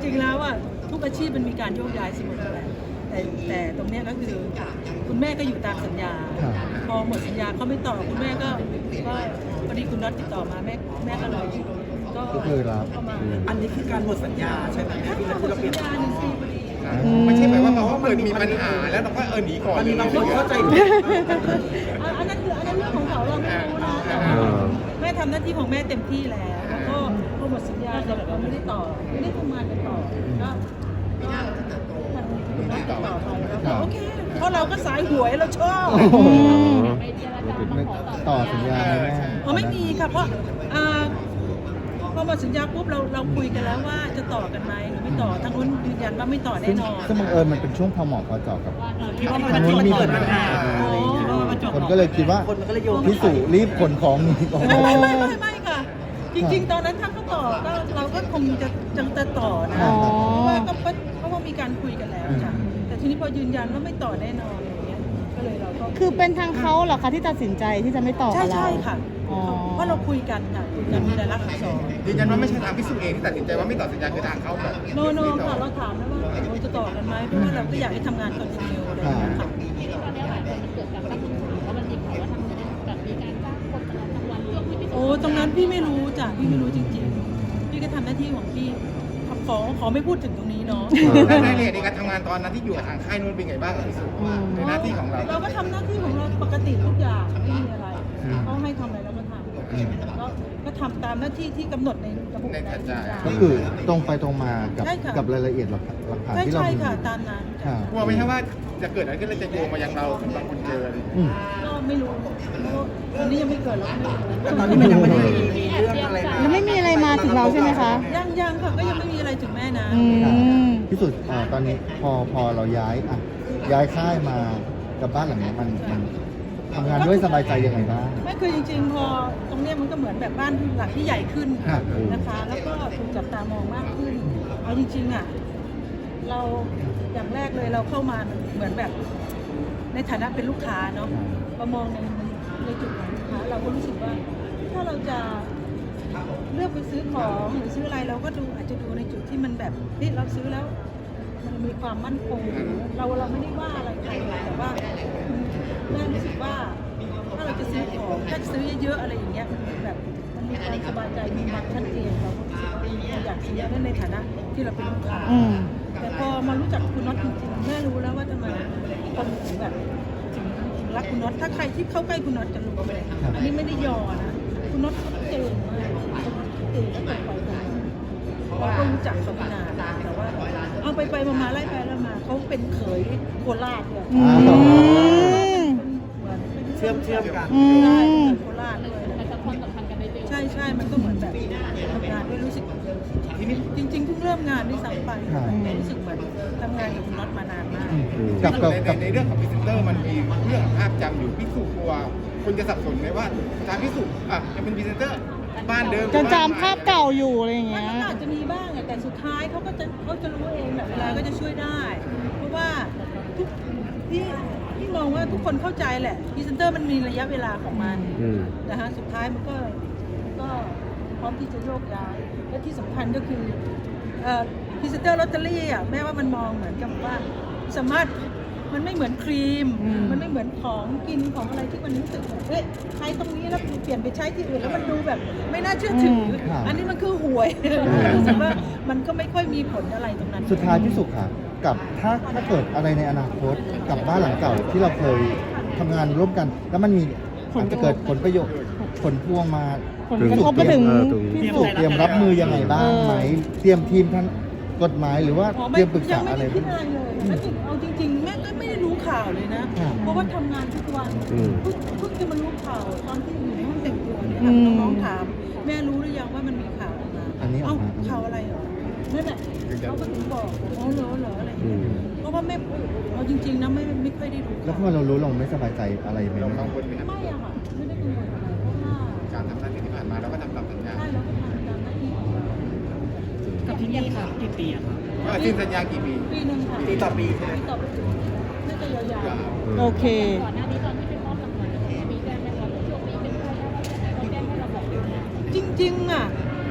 ริงๆแล้วอ่ะทุกอาชีพมันมีการโยกย้ายเสมอแหละแต่ตรงเนี้ยก็คือคุณแม่ก็อยู่ตามสัญญาพอหมดสัญญาเขาไม่ต่อคุณแม่ก็พอดีคุณน็อตติดต่อมาแม่ก็เลยก็คือรับอันนี้คือการหมดสัญญาใช่ไหมถ้าหมดสัญญา1 ปีพอดีไม่ใช่หมายว่าเพราะว่าเกิดมีปัญหาแล้วเราก็หนีก่อนมันมีบางคนเข้าใจอันนั้นเรื่องของเขาเราไม่รู้นะแต่ว่าแม่ทำหน้าที่ของแม่เต็มที่แล้วก็พอหมดสัญญาเราไม่ได้ต่อไม่ได้ทำงานกันต่อก็ติดต่อไปแล้วโอเคเพราะเราก็สายหวยเราชอบต่อสัญญาไหมแม่ไม่มีค่ะเพราะพอหมดสัญญาปุ๊บเราคุยกันแล้วว่าจะต่อกันไหมหรือไม่ต่อทางนู้นยืนยันว่าไม่ต่อแน่นอนซึ่งบังเอิญมันเป็นช่วงพอเหมาะพอเจาะกับที่ว่ามันเกิดปัญหาอะไรอย่างเงี้ยคนก็เลยคิดว่าคนมันก็เลยโยงพี่สุรีบขนของหนีก่อนไม่ค่ะ จริงๆตอนนั้นถ้าเขาต่อก็เราก็คงจะต่อนะอ๋อเพราะว่าเพราะว่ามีการคุยกันแล้วค่ะแต่ทีนี้พอยืนยันว่าไม่ต่อแน่นอนอย่างเงี้ยก็เลยเราก็คือเป็นทางเขาเหรอคะที่ตัดสินใจที่จะไม่ต่อกับเราใช่ค่ะอ๋อเพราะเราคุยกันค่ะคุยกันมีรายลักษณ์อักษรยืนยันว่าไม่ใช่ทางพิสูจน์เองที่ตัดสินใจว่าไม่ต่อสัญญาคือทางเขาแบบโนค่ะเราถามแล้วว่าเราจะต่อกันไหมเพราะว่าเราก็อยากให้ทำงานคอนติเนียอะไรอย่างเงี้ยค่ะตอนนี้หลายคนมันเกิดการตั้งคำถามว่ามันมีข่าวว่าทางนี้แบบมีการจ้างคนมาทำวันเรื่องที่พี่โอ้ตรงนั้นพี่ไม่รู้จ้ะพี่ไม่รู้จริงๆพี่ก็ทำหน้าที่ของพี่ขอไม่พูดถึงตรงนี้เนาะรายละเอียดในการทำงานตอนนั้นที่อยู่กับทางค่ายนู้นเป็นไงบ้างพิสูจน์ในหน้าที่ของเราเราก็ทำหน้าที่ของเราปกติทุกอย่างไม่มีอะไรเขาให้ทำอะไรเราก็ทำก็ทำตามหน้าที่ที่กำหนดในระบบในสัญญาก็คือตรงไปตรงมากับใช่ค่ะกับรายละเอียดหลักฐานที่เราใช่มีค่ะตามนั้นค่ะกลัวไหมครับว่าจะเกิดอะไรขึ้นแล้วจะโยงมายังเราสำหรับคนเจออะไรอย่างเงี้ยอืมก็ไม่รู้เพราะวันนี้ยังไม่เกิดหรอกแต่ตอนนี้มันยังไม่ได้มีเรื่องอะไรมายังไม่มีอะไรมาถึงเราใช่ไหมคะยังค่ะก็ยังไม่มีอะไรถึงแม่นะอืมพี่สุดตอนนี้พอเราย้ายค่ายมากับบ้านหลังนี้มันทำงานด้วยสบายใจยังไงบ้างไม่คือจริงๆพอตรงเนี้ยมันก็เหมือนแบบบ้านหลังที่ใหญ่ขึ้นครับนะคะ แล้วก็ถูกจับตามองมากขึ้นเอาจริงๆอ่ะเราอย่างแรกเลยเราเข้ามาเหมือนแบบในฐานะเป็นลูกค้าเนาะเรามองในจุดของลูกค้าเราก็รู้สึกว่าถ้าเราจะเลือกไปซื้อของหรือซื้ออะไรเราก็อาจจะดูในจุดที่มันแบบนี่เราซื้อแล้ว มันมีความมั่นคงเราไม่ได้ว่าอะไรใครแต่ว่าแม่รู้สึกว่าถ้าเราจะซื้อของถ้าซื้อเยอะๆอะไรอย่างเงี้ยแบบมันมีความสบายใจมีความชัดเจนเราก็รู้สึกว่าเราอยากซื้อนั่นในฐานะที่เราเป็นลูกค้าอืมแต่พอมารู้จักคุณน็อตจริงๆแม่รู้แล้วว่าทำไมคนถึงแบบถึงรักคุณน็อตถ้าใครที่เข้าใกล้คุณน็อตจะรู้เลยอันนี้ไม่ได้ยอนะคุณน็อตเขาเก่งมากเก่งตั้งแต่ปล่อยผมเราก็รู้จักเขามานานแต่ว่าเอาไปมาไล่ไปแล้วมาเขาเป็นเขยโคราชเลยอืมเชื่อมกันอืใช่มโคราชด้วยแต่ความสัมพันธ์กันได้เร็วใช่มันก็เหมือนแบบทำงานด้วยรู้สึกจริงๆเพิ่งเริ่มงานด้วยซ้ำไปรู้สึกเหมือนทำงานกับคุณน็อตมานานมากในเรื่องของพรีเซนเตอร์มันมีเรื่องของภาพจำอยู่พิสูจน์กลัวคนจะสับสนไหมว่าทางพิสูจน์จะเป็นพรีเซนเตอร์บ้านเดิมจะจำภาพเก่าอยู่อะไรอย่างมัเงี้นยก็อาจจะมีบ้างอะแต่สุดท้ายเขาจะรู้เองแบบเวลาก็จะช่วยได้ เพราะว่าทุกที่มองว่าทุกคนเข้าใจแหละพรีเซนเตอร์มันมีระยะเวลาของมันนะคะสุดท้ายมันก็พร้อมที่จะโยกย้ายและที่สำคัญก็คือพรีเซนเตอร์ลอตเตอรี่อ่ะแม้ว่ามันมองเหมือนกับว่าสามารถมันไม่เหมือนครีม มันไม่เหมือนของกินของอะไรที่มันรู้สึกแบบเฮ้ยใช้ตรงนี้แล้วเปลี่ยนไปใช้ที่อื่นแล้วมันดูแบบไม่น่าเชื่อถืออันนี้มันคือหวยรู้สึกว่ามันก็ไม่ค่อยมีผลอะไรตรงนั้นสุดท้ายพี่สุค่ะกับถ้าเกิดอะไรในอนาคตกับบ้านหลังเก่าที่เราเคยทำงานร่วมกัน แล้วมันมีอาจจะเกิดผลประโยชน์ผลพวงมาผลกระทบมาถึงพี่สุเตรียมรับมือยังไงบ้างไหมเตรียมทีมท่านกฎหมายหรือว่าเตรียมปรึกษาอะไรยังไม่ได้คิดอะไรเลยเอาจริงๆแม่ก็ไม่ได้รู้ข่าวเลยนะ เพราะว่าทำงานทุกวันเพิ่งจะมารู้ข่าวตอนที่อยู่ในห้องแต่งตัวเนี่ยน้องๆถามแม่รู้หรือยังว่ามันมีข่าวออกมาเอ้าข่าวอะไรเหรอนั่นแหละเขาก็ถึงบอกอ๋อเหรออะไรอย่างเงี้ยเพราะว่าแม่เอาจริงๆนะไม่ค่อยได้รู้แล้วพอเรารู้เราไม่สบายใจอะไรไหมเรากังวลไหมครับไม่อะค่ะไม่ได้กังวลอะไรเพราะว่าการทำหน้าที่ที่ผ่านมาเราก็ทำตามสัญญาใช่เราก็ทำตามหน้าที่ของเรากับที่นี่ค่ะกี่ปีอะครับว่าสิ้นสัญญากี่ปีปีหนึ่งค่ะปีต่อปีใช่ไหมปีต่อปีน่าจะยาวๆโอเคก่อนหน้านี้ตอนที่เป็นมอบรางวัลมีแจ้งไหมครับช่วงนี้เป็นใครแล้วเราแจ้งให้เราบอกด้วยนะจริงๆอ่ะ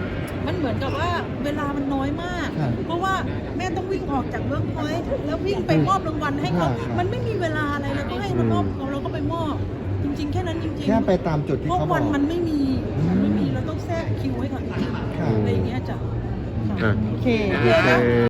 มันเหมือนกับว่าเวลามันน้อยมากครับเพราะว่าแม่ต้องวิ่งออกจากเวิร์กพอยต์แล้ววิ่งไปมอบรางวัลให้เขาครับมันไม่มีเวลาอะไรเราก็ให้เรามอบเราก็ไปมอบ จริง ๆ แค่นั้นจริงๆแค่ไปตามจุดที่เพราะเขาบวัอน กมันไม่มีเราต้องแทรกคิวไว้ก่อนครับอะไรอย่างเงี้ยจ้ะอ่ะโอเคโอเค